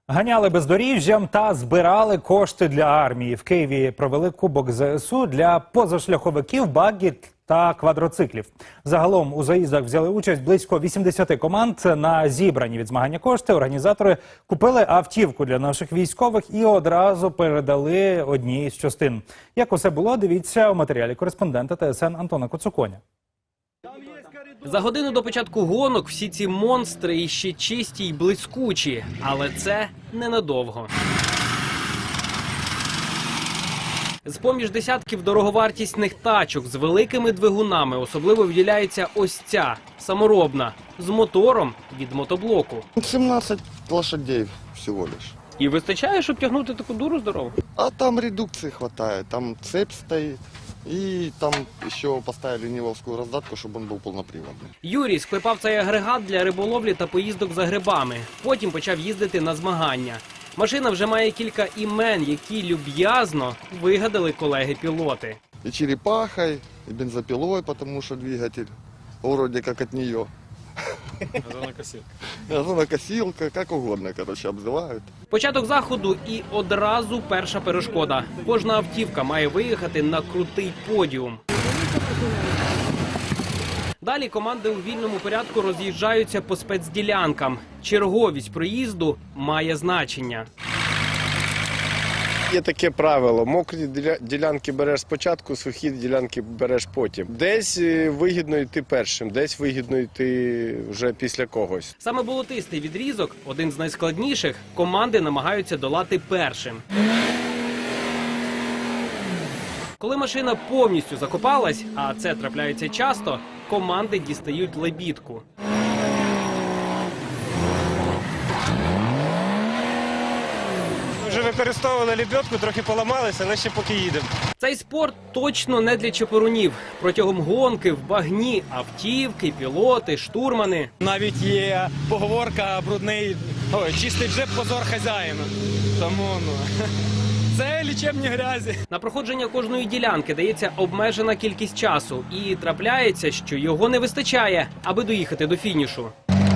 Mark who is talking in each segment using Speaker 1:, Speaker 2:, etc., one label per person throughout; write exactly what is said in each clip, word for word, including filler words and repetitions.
Speaker 1: Ганяли бездоріжжям та збирали кошти для армії. В Києві провели Кубок Зе Ес У для позашляховиків, багі та квадроциклів. Загалом у заїздах взяли участь близько вісімдесят команд. На зібрані від змагання кошти організатори купили автівку для наших військових і одразу передали одній з частин. Як усе було, дивіться у матеріалі кореспондента Те Ес Ен Антона Коцуконя.
Speaker 2: За годину до початку гонок всі ці монстри іще чисті й блискучі, але це ненадовго. З-поміж десятків дороговартісних тачок з великими двигунами особливо виділяється ось ця, саморобна, з мотором від мотоблоку.
Speaker 3: сімнадцять лошадей всього лиш.
Speaker 2: І вистачає, щоб тягнути таку дуру здорову?
Speaker 3: А там редукции хватает, там цепь стоит. И там еще поставили нивовскую раздатку, чтобы он был полноприводный.
Speaker 2: Юрій склепав цей агрегат для риболовлі та поїздок за грибами. Потім почав їздити на змагання. Машина вже має кілька імен, які люб'язно вигадали колеги-пілоти.
Speaker 3: И черепахой, и бензопилой, потому что двигатель вроде как от нее.
Speaker 4: Газонокосилка.
Speaker 3: Газонокосилка, как угодно, короче, обзывают.
Speaker 2: Початок заходу і одразу перша перешкода. Кожна автівка має виїхати на крутий подіум. Далі команди у вільному порядку роз'їжджаються по спецділянкам. Черговість проїзду має значення.
Speaker 4: Є таке правило, мокрі ділянки береш спочатку, сухі ділянки береш потім. Десь вигідно йти першим, десь вигідно йти вже після когось.
Speaker 2: Саме болотистий відрізок, один з найскладніших, команди намагаються долати першим. Коли машина повністю закопалась, а це трапляється часто, команди дістають лебідку.
Speaker 5: Вже використовували лебедку, трохи поламалися, але ще поки їдемо.
Speaker 2: Цей спорт точно не для чепурунів. Протягом гонки в багні автівки, пілоти, штурмани.
Speaker 5: Навіть є поговорка брудний, ой, чистий джеб позор хазяїна. Тому, ну, це лічебні грязі.
Speaker 2: На проходження кожної ділянки дається обмежена кількість часу. І трапляється, що його не вистачає, аби доїхати до фінішу.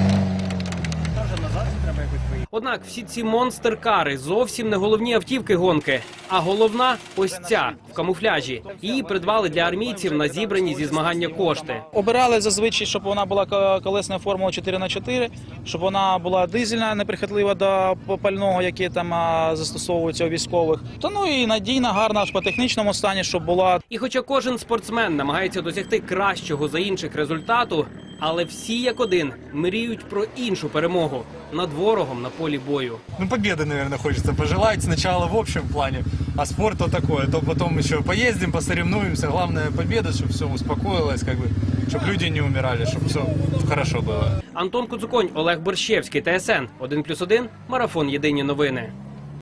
Speaker 2: Однак всі ці монстер-кари зовсім не головні автівки гонки, а головна ось ця, в камуфляжі. Її придбали для армійців на зібрані зі змагання кошти.
Speaker 6: Обирали зазвичай, щоб вона була колесною формулою чотири на чотири, щоб вона була дизельна, неприхотлива до пального, яке там застосовується у військових. Та ну і надійна, гарна аж по технічному стані, щоб була.
Speaker 2: І хоча кожен спортсмен намагається досягти кращого за інших результату, але всі як один мріють про іншу перемогу над ворогом на полі бою.
Speaker 7: Ну, победы, наверное, хочется пожелать. Сначала в общем плане, а спорт то такое. То потом еще поездим, посоревнуемся. Главное победа, чтобы все успокоилось, как бы, чтобы люди не умирали, чтобы все хорошо было.
Speaker 2: Антон Коцуконь, Олег Борщевський, Те Ес Ен, один плюс один, Марафон. Єдині новини.